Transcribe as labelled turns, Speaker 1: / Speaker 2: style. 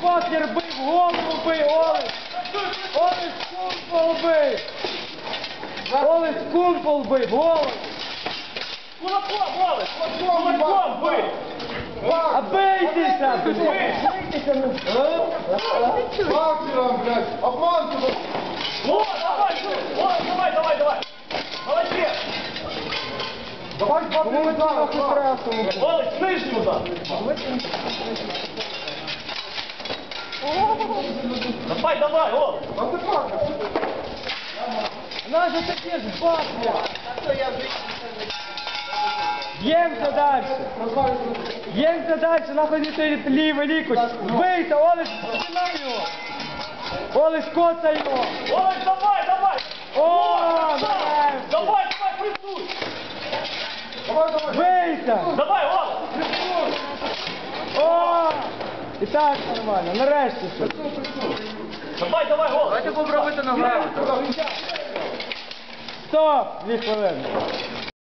Speaker 1: покер бий, в голову бий, Олесь! Олесь кумпол бий! Олесь кумпол бий, в голову!
Speaker 2: Кулаком, Олесь! Кулаком бий!
Speaker 1: А бийтеся!
Speaker 3: Фактором, блядь, обманку.
Speaker 2: О, давай! Молодец!
Speaker 3: Давай
Speaker 1: Кому ви
Speaker 3: два
Speaker 1: трохи стресом?
Speaker 2: Олесь, нижню удар! Давай, Олесь!
Speaker 3: А ти фактор.
Speaker 1: Нас же такі ж бабки! Б'ємося далі! Б'ємося далі, нахуй не стоїть лівий лікоть! Бийте, Олесь, починай його! Олесь, коцай його!
Speaker 2: Олесь, давай!
Speaker 1: О, нарешті!
Speaker 2: Давай, присуй!
Speaker 1: Бийте!
Speaker 2: Давай, Олесь!
Speaker 1: О! І так нормально, нарешті що.
Speaker 2: Давай, Олесь!
Speaker 1: Давайте попробуйте ногами. Стоп! 2 хвилини.